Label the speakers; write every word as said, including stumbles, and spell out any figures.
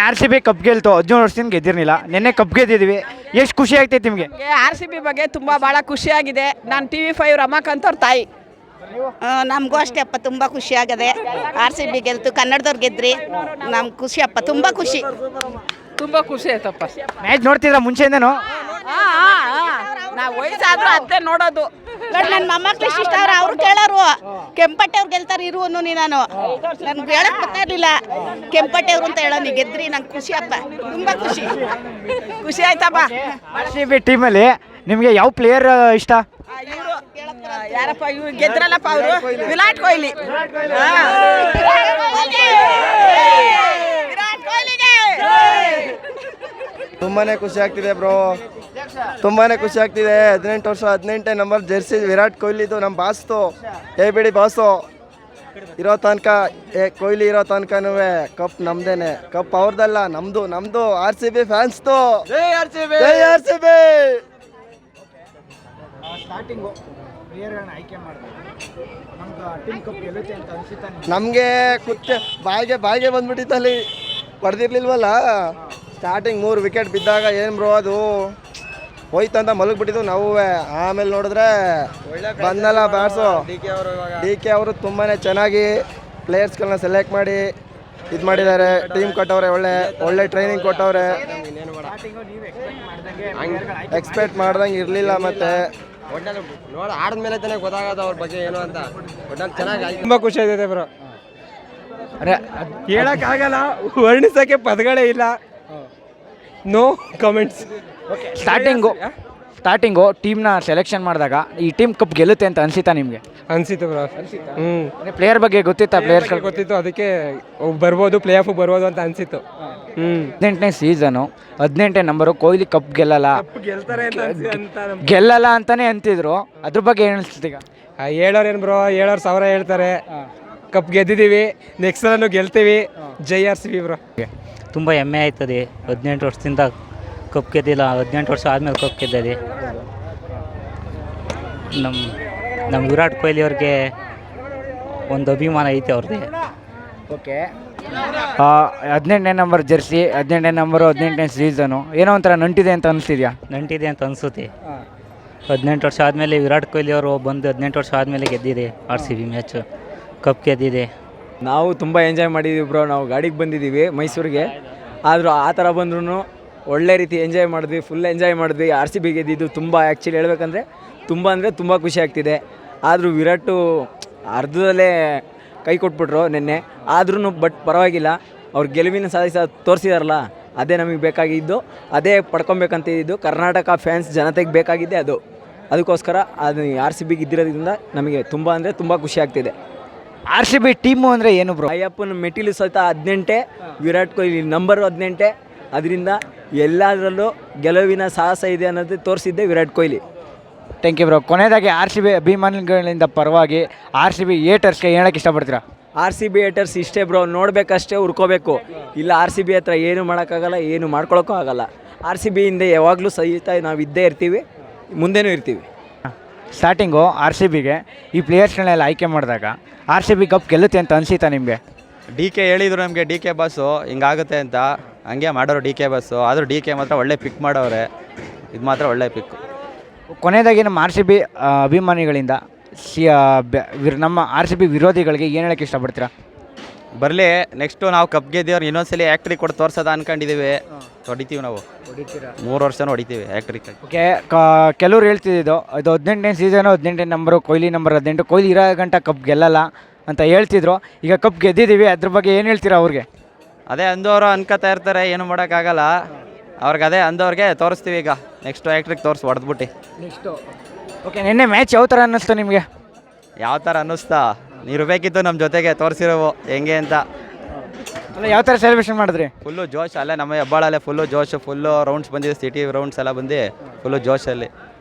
Speaker 1: R C B cup ಗೆಲ್ತು, ಹದಿನೇಳು ವರ್ಷದಿಂದ ಗೆದ್ದಿರಲಿಲ್ಲ, ನಿನ್ನೆ ಕಪ್ ಗೆದ್ದಿದ್ವಿ, ಎಷ್ಟು ಖುಷಿ ಆಗ್ತೈತೆ ನಿಮಗೆ?
Speaker 2: ಆರ್ ಸಿ ಬಿ ಬಗ್ಗೆ ತುಂಬ ಭಾಳ ಖುಷಿಯಾಗಿದೆ. ನಾನು ಟಿ ವಿ ಫೈವ್ ರಮಾಕಾಂತ್ ಅವ್ರ ತಾಯಿ.
Speaker 3: ನಮಗೂ ಅಷ್ಟೇ ಅಪ್ಪ, ತುಂಬ ಖುಷಿ ಆಗದೆ. ಆರ್ ಸಿ ಬಿ ಗೆಲ್ತು, ಕನ್ನಡದವ್ರು ಗೆದ್ರಿ, ನಮ್ಗೆ ಖುಷಿ ಅಪ್ಪ, ತುಂಬ ಖುಷಿ.
Speaker 2: ತುಂಬ ಖುಷಿ ಆಯ್ತಪ್ಪ.
Speaker 1: ಮ್ಯಾಚ್ ನೋಡ್ತಿದ್ರ ಮುಂಚೆಯಿಂದನೂ?
Speaker 2: ನಾವು ವಯಸ್ಸಾದ್ರೂ ಅದೇ ನೋಡೋದು.
Speaker 3: ನೋಡಿ ನನ್ನ ಮೊಮ್ಮಕ್ಳು ಇಷ್ಟ ಅವ್ರು ಅವ್ರು ಕೇಳೋರು ಕೆಂಪಟ್ಟೆ ಅವ್ರು ಗೆಲ್ತಾರೆ ಇರು ಅನ್ನೋ ನೀ. ನಾನು ನನ್ಗೆ ಹೇಳಕ್ ಬರ್ತಾ ಇರಲಿಲ್ಲ ಕೆಂಪಟ್ಟೆ ಅವ್ರು ಅಂತ ಹೇಳೋ, ನೀ ಗೆದ್ರಿ, ನಂಗೆ ಖುಷಿ ಅಪ್ಪ, ತುಂಬ ಖುಷಿ
Speaker 2: ಖುಷಿ ಆಯ್ತಪ್ಪ.
Speaker 1: ಆರ್ ಸಿ ಬಿ ಟೀಮಲ್ಲಿ ನಿಮಗೆ ಯಾವ ಪ್ಲೇಯರ್ ಇಷ್ಟ?
Speaker 2: ಇವರು ಯಾರಪ್ಪ, ಇವ್ರು ಗೆದ್ರಲ್ಲಪ್ಪ, ಅವರು ವಿರಾಟ್ ಕೊಹ್ಲಿ. ವಿರಾಟ್ ಕೊಹ್ಲಿಗೆ
Speaker 4: ತುಂಬಾನೇ ಖುಷಿ ಆಗ್ತಿದೆ ಬ್ರೋ, ತುಂಬಾನೇ ಖುಷಿ ಆಗ್ತಿದೆ. ಹದಿನೆಂಟು ವರ್ಷ ಹದಿನೆಂಟನೇ ನಂಬರ್ ಜೆರ್ಸಿ ವಿರಾಟ್ ಕೊಹ್ಲಿದು ನಮ್ಮ ಬಾಸ್ತು, ಏ ಬಿಡಿ ಬಾಸು ಇರೋ ತನಕ, ಏ ಕೊಹ್ಲಿ ಇರೋ ತನಕನೂ ಕಪ್ ನಮ್ದೇನೆ, ಕಪ್ ಅವ್ರದ್ದಲ್ಲ ನಮ್ದು, ನಮ್ದು ಆರ್ ಸಿ ಬಿ ಫ್ಯಾನ್ಸ್ದು. ಜೈ ಆರ್ ಸಿ ಬಿ, ಜೈ ಆರ್ ಸಿ ಬಿ. ನಮಗೆ ಕುತ್ತೆ ಬಾಯಿಗೆ ಬಾಯಿಗೆ ಬಂದ್ಬಿಟ್ಟಿತ್ತಲ್ಲಿ, ಹೊಡೆದಿರ್ಲಿಲ್ವಲ್ಲ. ಸ್ಟಾರ್ಟಿಂಗ್ ಮೂರು ವಿಕೆಟ್ ಬಿದ್ದಾಗ ಏನು ಬ್ರೋ ಅದು ಹೋಯ್ತಂತ ಮಲಗಿಬಿಟ್ಟಿದ್ದು ನಾವು. ಆಮೇಲೆ ನೋಡಿದ್ರೆ ಬಂದಲ್ಲ ಬ್ಯಾಟ್ಸು ಡಿ ಕೆ ಅವರು ತುಂಬಾ ಚೆನ್ನಾಗಿ ಪ್ಲೇಯರ್ಸ್ಗಳನ್ನ ಸೆಲೆಕ್ಟ್ ಮಾಡಿ ಇದು ಮಾಡಿದ್ದಾರೆ, ಟೀಮ್ ಕೊಟ್ಟವ್ರೆ, ಒಳ್ಳೆ ಒಳ್ಳೆ ಟ್ರೈನಿಂಗ್ ಕೊಟ್ಟವ್ರೆ. ಎಕ್ಸ್ಪೆಕ್ಟ್ ಮಾಡ್ದಂಗೆ ಇರಲಿಲ್ಲ. ಮತ್ತೆ
Speaker 5: ನೋಡ ಆಡಿದ್ಮೇಲೆ ತಾನೇ ಗೊತ್ತಾಗೋದು ಅವ್ರ ಬಗ್ಗೆ ಏನು ಅಂತ. ಒಟ್ನಲ್ಲಿ ಚೆನ್ನಾಗಿ
Speaker 6: ತುಂಬ ಖುಷಿ ಆಗಿದೆ ಬ್ರೋ. ಹೇಳೋಕ್ಕಾಗಲ್ಲ, ವರ್ಣಿಸೋಕ್ಕೆ ಪದಗಳೇ ಇಲ್ಲ. No comments.
Speaker 1: ಸ್ಟಾರ್ಟಿಂಗು ಸ್ಟಾರ್ಟಿಂಗು ಟೀಮ್ನ ಸೆಲೆಕ್ಷನ್ ಮಾಡಿದಾಗ ಈ ಟೀಮ್ ಕಪ್ ಗೆಲ್ಲುತ್ತೆ ಅಂತ ಅನ್ಸಿತಾ ನಿಮಗೆ?
Speaker 6: ಅನ್ಸಿತ್ತು ಬ್ರೋ. ಹ್ಞೂ
Speaker 1: ಪ್ಲೇಯರ್ ಬಗ್ಗೆ ಗೊತ್ತಿತ್ತಾ? ಪ್ಲೇಯರ್ಸ್ಗಳು
Speaker 6: ಗೊತ್ತಿತ್ತು, ಅದಕ್ಕೆ ಬರ್ಬೋದು, ಪ್ಲೇ ಆಫ್ ಬರ್ಬೋದು ಅಂತ ಅನ್ಸಿತ್ತು. ಹ್ಞೂ
Speaker 1: ಹದಿನೆಂಟನೇ ಸೀಸನು, ಹದಿನೆಂಟನೇ ನಂಬರು, ಕೊಹ್ಲಿ ಕಪ್ ಗೆಲ್ಲಲ್ಲ
Speaker 6: ಗೆಲ್ತಾರೆ ಅಂತ
Speaker 1: ಗೆಲ್ಲಲ್ಲ ಅಂತಾನೆ ಅಂತಿದ್ರು, ಅದ್ರ ಬಗ್ಗೆ ಏನು ಅನಿಸ್ತಿದೆ ಈಗ?
Speaker 6: ಹೇಳೋರು ಏನು ಬ್ರೋ, ಹೇಳೋರು ಸಾವಿರ ಹೇಳ್ತಾರೆ. ಕಪ್ ಗೆದ್ದಿದ್ದೀವಿ, ನೆಕ್ಸ್ಟ್ ಸಲನೂ ಗೆಲ್ತೀವಿ. ಜೈ ಆರ್ ಸಿ ಬಿ ಬ್ರೋ.
Speaker 7: ತುಂಬ ಹೆಮ್ಮೆ ಆಯ್ತದೆ. ಹದಿನೆಂಟು ವರ್ಷದಿಂದ ಕಪ್ ಗೆದ್ದಿಲ್ಲ, ಹದಿನೆಂಟು ವರ್ಷ ಆದಮೇಲೆ ಕಪ್ ಗೆದ್ದಿದೆ. ನಮ್ಮ ನಮ್ಮ ವಿರಾಟ್ ಕೊಹ್ಲಿ ಅವ್ರಿಗೆ ಒಂದು ಅಭಿಮಾನ ಐತೆ ಅವ್ರದ್ದೇ.
Speaker 1: ಓಕೆ, ಹದಿನೆಂಟನೇ ನಂಬರ್ ಜೆರ್ಸಿ, ಹದಿನೆಂಟನೇ ನಂಬರು, ಹದಿನೆಂಟನೇ ಸೀಸನು, ಏನೋ ಒಂಥರ ನಂಟಿದೆ ಅಂತ ಅನಿಸ್ತಿದ್ಯಾ?
Speaker 7: ನಂಟಿದೆ ಅಂತ ಅನಿಸುತ್ತೆ. ಹದಿನೆಂಟು ವರ್ಷ ಆದಮೇಲೆ ವಿರಾಟ್ ಕೊಹ್ಲಿ ಅವರು ಬಂದು ಹದಿನೆಂಟು ವರ್ಷ ಆದಮೇಲೆ ಗೆದ್ದಿದೆ R C B match, cup ಗೆದ್ದಿದೆ.
Speaker 8: ನಾವು ತುಂಬ ಎಂಜಾಯ್ ಮಾಡಿದ್ದೀವಿ ಬ್ರೋ. ನಾವು ಗಾಡಿಗೆ ಬಂದಿದ್ದೀವಿ ಮೈಸೂರಿಗೆ, ಆದರೂ ಆ ಥರ ಬಂದ್ರೂ ಒಳ್ಳೆ ರೀತಿ ಎಂಜಾಯ್ ಮಾಡಿದ್ವಿ, ಫುಲ್ ಎಂಜಾಯ್ ಮಾಡಿದ್ವಿ. ಆರ್ ಸಿ ಬಿ ಗೆದ್ದಿದ್ದು ತುಂಬ, ಆ್ಯಕ್ಚುಲಿ ಹೇಳ್ಬೇಕಂದ್ರೆ ತುಂಬ ಅಂದರೆ ತುಂಬ ಖುಷಿ ಆಗ್ತಿದೆ. ಆದರೂ ವಿರಾಟು ಅರ್ಧದಲ್ಲೇ ಕೈ ಕೊಟ್ಬಿಟ್ರು ನಿನ್ನೆ, ಆದ್ರೂ ಬಟ್ ಪರವಾಗಿಲ್ಲ, ಅವ್ರು ಗೆಲುವಿನ ಸಾಧಿಸ ತೋರಿಸಿದಾರಲ್ಲ, ಅದೇ ನಮಗೆ ಬೇಕಾಗಿದ್ದು, ಅದೇ ಪಡ್ಕೊಬೇಕಂತಿದ್ದು. ಕರ್ನಾಟಕ ಫ್ಯಾನ್ಸ್ ಜನತೆಗೆ ಬೇಕಾಗಿದ್ದೆ ಅದು. ಅದಕ್ಕೋಸ್ಕರ ಅದು ಆರ್ ಸಿ ಬಿಗೆ ಇದ್ದಿರೋದ್ರಿಂದ ನಮಗೆ ತುಂಬ ಅಂದರೆ ತುಂಬ ಖುಷಿ ಆಗ್ತಿದೆ.
Speaker 1: ಆರ್ ಸಿ ಬಿ ಟೀಮು ಅಂದರೆ ಏನು ಬ್ರೋ?
Speaker 8: ಅಯ್ಯಪ್ಪನ ಮೆಟ್ಟಿಲು ಸಹಿತ ಹದಿನೆಂಟೆ, ವಿರಾಟ್ ಕೊಹ್ಲಿ ನಂಬರು ಹದಿನೆಂಟೆ, ಅದರಿಂದ ಎಲ್ಲದರಲ್ಲೂ ಗೆಲುವಿನ ಸಾಹಸ ಇದೆ ಅನ್ನೋದು ತೋರಿಸಿದ್ದೆ Virat Kohli.
Speaker 1: Thank you bro. ಕೊನೆಯದಾಗಿ ಆರ್ ಸಿ ಬಿ ಅಭಿಮಾನಿಗಳಿಂದ ಪರವಾಗಿ ಆರ್ ಸಿ ಬಿ ಏಟರ್ಸ್ಗೆ ಹೇಳೋಕ್ಕೆ ಇಷ್ಟಪಡ್ತೀರಾ?
Speaker 8: ಆರ್ ಸಿ ಬಿ ಏಟರ್ಸ್ ಇಷ್ಟೇ ಬ್ರೋ, ನೋಡಬೇಕಷ್ಟೇ, ಹುರ್ಕೋಬೇಕು. ಇಲ್ಲ ಆರ್ ಸಿ ಬಿ ಹತ್ರ ಏನು ಮಾಡೋಕ್ಕಾಗಲ್ಲ, ಏನು ಮಾಡ್ಕೊಳಕ್ಕೂ ಆಗಲ್ಲ. ಆರ್ ಸಿ ಬಿಯಿಂದ ಯಾವಾಗಲೂ ಸಹಿತ ನಾವು ಇದ್ದೇ ಇರ್ತೀವಿ, ಮುಂದೆನೂ ಇರ್ತೀವಿ.
Speaker 1: ಸ್ಟಾರ್ಟಿಂಗು ಆರ್ ಸಿ ಬಿಗೆ ಈ ಪ್ಲೇಯರ್ಸ್ಗಳನ್ನೆಲ್ಲ ಆಯ್ಕೆ ಮಾಡಿದಾಗ ಆರ್ ಸಿ ಬಿ ಕಪ್ ಗೆಲ್ಲುತ್ತೆ ಅಂತ ಅನಿಸಿತಾ ನಿಮಗೆ?
Speaker 9: ಡಿ ಕೆ ಹೇಳಿದರು ನಮಗೆ, ಡಿ ಕೆ ಬಸ್ಸು ಹಿಂಗಾಗುತ್ತೆ ಅಂತ, ಹಂಗೆ ಮಾಡೋರು ಡಿ ಕೆ ಬಸ್ಸು. ಆದರೂ ಡಿ ಕೆ ಮಾತ್ರ ಒಳ್ಳೆ ಪಿಕ್ ಮಾಡವ್ರೆ, ಇದು ಮಾತ್ರ ಒಳ್ಳೆ ಪಿಕ್.
Speaker 1: ಕೊನೆಯದಾಗಿ ನಮ್ಮ ಆರ್ ಸಿ ಬಿ ಅಭಿಮಾನಿಗಳಿಂದ ಸಿ ನಮ್ಮ ಆರ್ ಸಿ ಬಿ ವಿರೋಧಿಗಳಿಗೆ ಏನು ಹೇಳೋಕ್ಕೆ ಇಷ್ಟಪಡ್ತೀರಾ?
Speaker 9: ಬರಲಿ, ನೆಕ್ಸ್ಟು ನಾವು ಕಪ್ ಗೆದ್ದೀವ್ರು ಇನ್ನೊಂದ್ಸಲಿ ಆ್ಯಕ್ಟ್ರಿ ಕೊಟ್ಟು ತೋರ್ಸೋದ ಅಂದ್ಕೊಂಡಿದ್ದೀವಿ. ಹೊಡಿತೀವಿ, ನಾವು ಮೂರು ವರ್ಷನೂ ಹೊಡಿತೀವಿ ಆ್ಯಕ್ಟ್ರಿ.
Speaker 1: ಓಕೆ, ಕೆಲವ್ರು ಹೇಳ್ತಿದ್ದು ಇದು ಹದಿನೆಂಟನೇ ಸೀಸನು, ಹದಿನೆಂಟನೇ ನಂಬರು, ಕೊಹ್ಲಿ ನಂಬರ್ ಹದಿನೆಂಟು, ಕೊಹ್ಲಿ ಇರೋ ಗಂಟ ಕಪ್ ಗೆಲ್ಲಲ್ಲ ಅಂತ ಹೇಳ್ತಿದ್ರು. ಈಗ ಕಪ್ ಗೆದ್ದಿದ್ದೀವಿ, ಅದ್ರ ಬಗ್ಗೆ ಏನು ಹೇಳ್ತೀರಾ ಅವ್ರಿಗೆ?
Speaker 9: ಅದೇ ಅಂದವರು ಅನ್ಕೋತಾ ಇರ್ತಾರೆ, ಏನು ಮಾಡೋಕ್ಕಾಗಲ್ಲ ಅವ್ರಿಗೆ. ಅದೇ ಅಂದವ್ರಿಗೆ ತೋರಿಸ್ತೀವಿ ಈಗ, ನೆಕ್ಸ್ಟು ಆ್ಯಕ್ಟ್ರಿಗೆ ತೋರಿಸಿ ಹೊಡೆದ್ಬಿಟ್ಟು
Speaker 1: ನೆಕ್ಸ್ಟು. ಓಕೆ, ನಿನ್ನೆ ಮ್ಯಾಚ್ ಯಾವ ಥರ ಅನ್ನಿಸ್ತು ನಿಮಗೆ?
Speaker 9: ಯಾವ ಥರ ಅನ್ನಿಸ್ತಾ? ನೀವು ಇರಬೇಕಿತ್ತು ನಮ್ಮ ಜೊತೆಗೆ, ತೋರಿಸಿರೋವು ಹೆಂಗೆ ಅಂತ.
Speaker 1: ಅಲ್ಲ, ಯಾವ ಥರ ಸೆಲೆಬ್ರೇಷನ್ ಮಾಡಿದ್ರಿ?
Speaker 9: ಫುಲ್ಲು ಜೋಶ್, ಅಲ್ಲೇ ನಮ್ಮ ಹೆಬ್ಬಾಳಲ್ಲೇ ಫುಲ್ಲು ಜೋಶ್, ಫುಲ್ಲು ರೌಂಡ್ಸ್ ಬಂದಿದೆ, ಸಿಟಿ ರೌಂಡ್ಸ್ ಎಲ್ಲ ಬಂದು ಫುಲ್ಲು ಜೋಶಲ್ಲಿ.